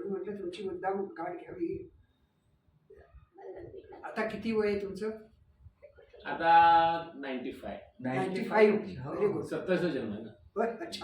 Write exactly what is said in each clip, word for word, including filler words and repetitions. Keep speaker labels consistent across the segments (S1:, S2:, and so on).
S1: म्हणून म्हटलं तुमची मुद्दाम गाठ घ्यावी. आता किती वय आहे तुमचं?
S2: आता ninety five
S1: ninety five. Very good.
S2: सत्तावीसचा जन्म आहे ना.
S1: बरं, अच्छा.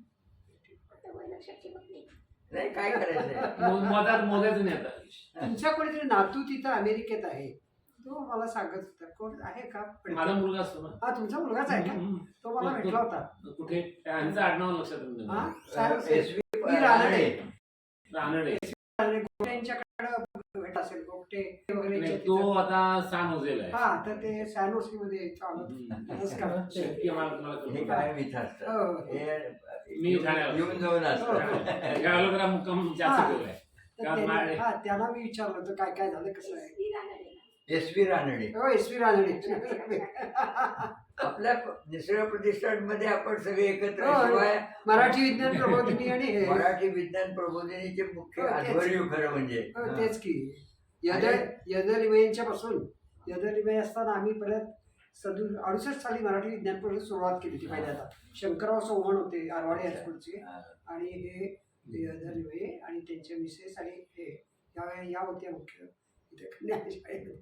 S3: नाही काय करायचंय
S2: मधात मोजायचं नाही आता.
S1: तुमचा कोणीतरी नातू तिथं अमेरिकेत आहे, तो मला सांगत होता. कोण आहे का?
S2: माझा मुलगा असतो ना.
S1: हा, तुमचा मुलगाच आहे का? तो मला भेटला होता.
S2: कुठे? त्यांचं आडनाव लक्षात नाही.
S1: हा, साहेब-
S3: एस व्ही
S1: रानडे.
S2: रानडे.
S1: गोगटेंच्याकडे भेट असेल, गोगटे वगैरे.
S2: नाही, तो आता सान होजेल आहे.
S1: हा, तर ते सॅनोसी मध्ये चालत. नमस्कार.
S2: शक्य मला मला
S3: हे
S2: कल्पना
S3: काय
S2: नाही.
S3: मिथ असतं
S1: हो.
S3: हे
S2: मी ठाण्याला
S3: येऊन जाऊन असतं
S2: ह्या वेळेला जरा मुक्काम जास्त केलाय.
S1: तर
S2: कारण
S1: त्यांनी-
S2: माझे-
S1: हा, त्यांना मी विचारलं होतं काय काय झालं, कसं आहे.
S3: एस व्ही रानडे
S1: हो, एस व्ही रानडे.
S3: आपल्या निसर्ग प्रतिष्ठानमध्ये आपण सगळे एकत्र
S1: हो,
S3: शिवाय
S1: मराठी विज्ञान प्रबोधिनी आणि हे
S3: मराठी विज्ञान प्रबोधिनीचे मुख्य
S1: हो, तेच.
S3: आध्वर्यू खरं म्हणजे
S1: हो, तेच की यदर यदलिमयेंच्या पासून यदलिमय असताना आम्ही परत सदू अडुसष्ट साली मराठी विज्ञान प्रबोधिनी सुरुवात केली होती पहिल्यांदा. शंकरराव चव्हाण होते आरवाडे हायस्कूलचे, आणि हे यदलिमये आणि त्यांचे मिसेस आणि हे या या होत्या मुख्य इथे कन्याशाळेत.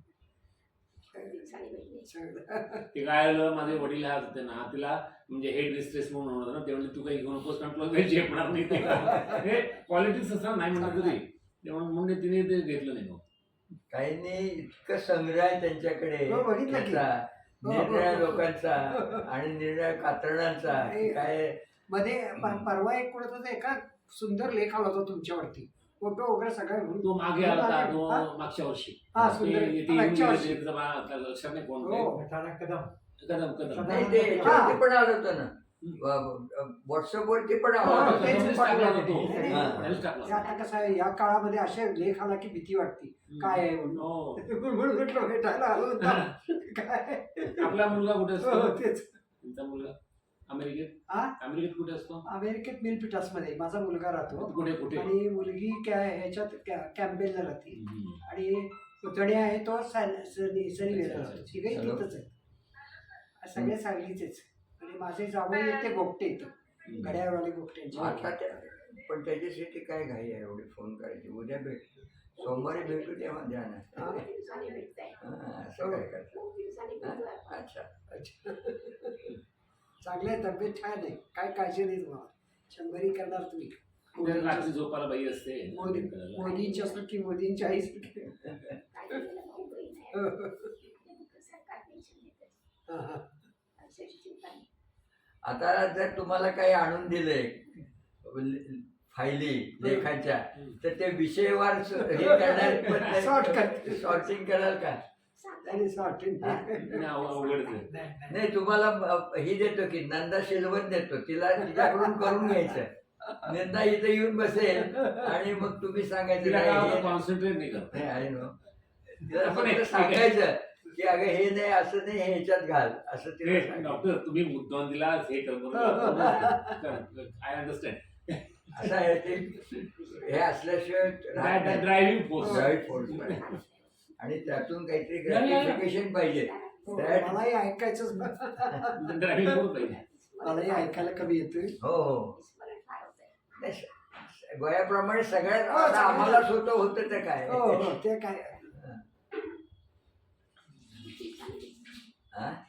S2: ते काय झालं, माझे वडील हात होते ना, तिला म्हणजे हेड मिस्ट्रेस म्हणून होतं ना, ते म्हणजे तू काही घेऊ नकोस कारण तुला काही झेपणार नाही. ते हे पॉलिटिक्स असं नाही म्हणत तरी तेव्हा म्हणून तिने ते घेतलं नाही. मग
S3: काहींनी इतकं संग्रह आहे त्यांच्याकडे
S1: हो, बघितलं की.
S3: त्याचा,
S1: हो, हो,
S3: निरनिळ्या
S1: हो.
S3: लोकांचा आणि निरनिळ्या कातरणांचा की काय
S1: मध्ये प- परवा एक कोणाचा एका सुंदर लेख आला होता तुमच्यावरती, फोटो वगैरे सगळं घेऊन.
S2: तो मागे आला होता,
S1: हा?
S2: तो मागच्या वर्षी.
S1: हा,
S2: ते-
S1: सुंदर.
S2: ते
S1: मागच्या
S2: येऊन
S1: वर्षी.
S2: गेले, त्याचं मला लक्षात नाही कोण ते.
S1: हो.
S4: कदम
S2: कदम कदम
S3: नाही ते याच्यावरती पण आलं होतं ना, व्हॉट्सअपवरती पण आलं
S1: हो,
S3: होतं.
S1: तेच
S2: कदमनेच
S1: पाठवलं
S2: टाकला
S1: होतं.
S2: होता तो.
S1: नाही,
S3: हा.
S2: त्यानेच टाकला.
S1: ते आता कसं आहे, या काळामध्ये असे लेख आला की भीती वाटते काय आहे म्हणून.
S2: हो.
S1: म्हणून म्हटलं भेटायला आलो होता काय.
S2: आपला मुलगा कुठे
S1: हो,
S2: असतो?
S1: तेच.
S2: तुमचा मुलगा अमेरिकेत
S1: हा?
S2: अमेरिकेत कुठे असतो?
S1: अमेरिकेत मिलपिटास मध्ये माझा मुलगा राहतो,
S2: कुठे कुठे?
S1: आणि मुलगी काय ह्याच्यात कॅ- कॅम्पेनला राहते,
S2: हम्म.
S1: आणि पुतण्या आहे तो सॅन- सनी सनीवेला राहतो. तिघही तिथंच आहे, सगळे सांगलीचेच. आणि माझे जावई आहेत ते गोगटे येतं, घड्याळवाले गोगट्यांचे.
S3: आता त्या पण त्याच्यासाठी काय घाई आहे एवढी फोन करायची? उद्या भेट, सोमवारी भेटू तेव्हा द्या ना.
S1: हा?
S3: हा, असं काय करता? अच्छा.
S1: अच्छा. चांगलं आहे, तब्येत छान आहे, काय काळजी नाही तुम्हाला. शंभरी करणार तुम्ही.
S2: उद्या रात्री झोपायला बाई असते.
S1: मोदी मोदींची असं की मोदींची आई सारखी. हा, हा.
S3: आता जर तुम्हाला काही आणून दिले फायली लेखाच्या, तर ते विषयवार स- हे करणार
S1: Sort करते.
S3: सॉर्टिंग कराल का?
S1: त्याने सॉर्टिंग.
S2: नाही, अव- अवघडच आहे.
S3: नाही, तुम्हाला अ, ही देतो की नंदा शिलवत देतो, तिला तिच्याकडून करून घ्यायचं. नंदा इथं येऊन बसेल आणि मग तुम्ही सांगायचं
S2: तिला
S3: नाही,
S2: काय
S3: हे-
S2: कॉन्सन्ट्रेट नाही करत.
S3: नाही, आहे ना. तिला
S2: आपण
S3: फक्त
S2: एक-
S3: सांगायचं की अगं हे नाही, असं नाही, हे ह्याच्यात घाल, असं तिला
S2: हे,
S3: सांगायचं.
S2: डॉक्टर तुम्ही मुद्दाम दिला हे कर आय अंडरस्टँड.
S3: असं आहे ते, हे असल्याशिवाय राहत नाही.
S2: Driving force.
S3: Drive force पाहिजे. आणि त्यातून काहीतरी
S2: या, या, या.
S3: ग्रॅटिफिकेशन पाहिजे. That-
S1: मलाही ऐकायचंच.
S2: ड्रायव्हिंग फोर्स पाहिजे.
S1: मलाही ऐकायला कमी येतोय.
S3: हो हो नाही, स- वयाप्रमाणे सगळ्यात
S1: हो,
S3: आता
S1: सगळ्यात-
S3: आम्हाला स्वतः होतं ते काय
S1: हो हो, ते काय.
S3: हा?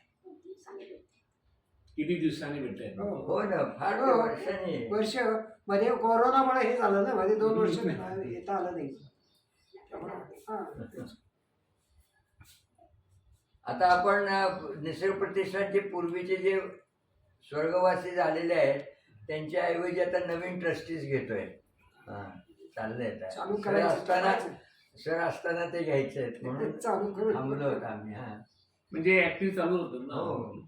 S2: किती दिवसांनी भेटताय?
S1: हो.
S3: हो ना, फार
S1: हो.
S3: वर्षांनी.
S1: वर्ष मध्ये कोरोनामुळे हे झालं ना, मध्ये दोन वर्ष येता आलं नाही. त्यामुळे, हा, तेच.
S3: आता आपण अ, निसर्ग प्रतिष्ठानचे पूर्वीचे जे स्वर्गवासी झालेले आहेत त्यांच्या ऐवजी आता नवीन ट्रस्टीज घेतोय. हा, चाललंय आता.
S1: चालू
S3: सर
S1: करायचं,
S3: असताना
S1: करायचं.
S3: सर असताना ते घ्यायचे आहेत म्हणून
S1: चालू करू.
S3: थांबलो होतो आम्ही. हा
S2: म्हणजे ऍक्टिव्ह चालू होतं ना.
S3: हो.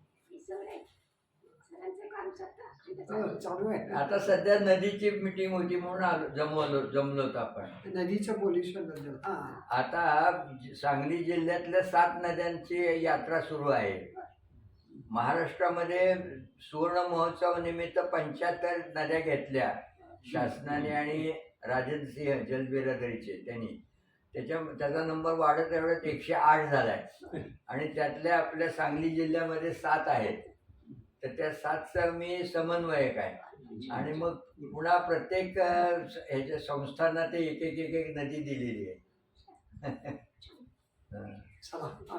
S1: हो, चालू आहे.
S3: आता सध्या नदीची मीटिंग होती म्हणून आलो, जमवलो जमलो होतो आपण.
S1: नदीचं पोल्युशन बद्दल. हा.
S3: आता सांगली जिल्ह्यातल्या सात नद्यांची यात्रा सुरू आहे. महाराष्ट्रामध्ये सुवर्ण महोत्सव निमित्त पंच्याहत्तर नद्या घेतल्या शासनाने आणि राजेंद्र सिंह जलबिरादरीचे त्यांनी. त्याच्या त्याचा नंबर वाढत एवढ्यात एकशे आठ झालाय आणि त्यातल्या आपल्या सांगली जिल्ह्यामध्ये सात आहेत. तर त्या सातचा मी समन्वयक आहे. आणि मग पुन्हा प्रत्येक अं, स- ह्याच्या संस्थांना ते एक एक एक एक नदी दिलेली आहे. हं.
S1: चला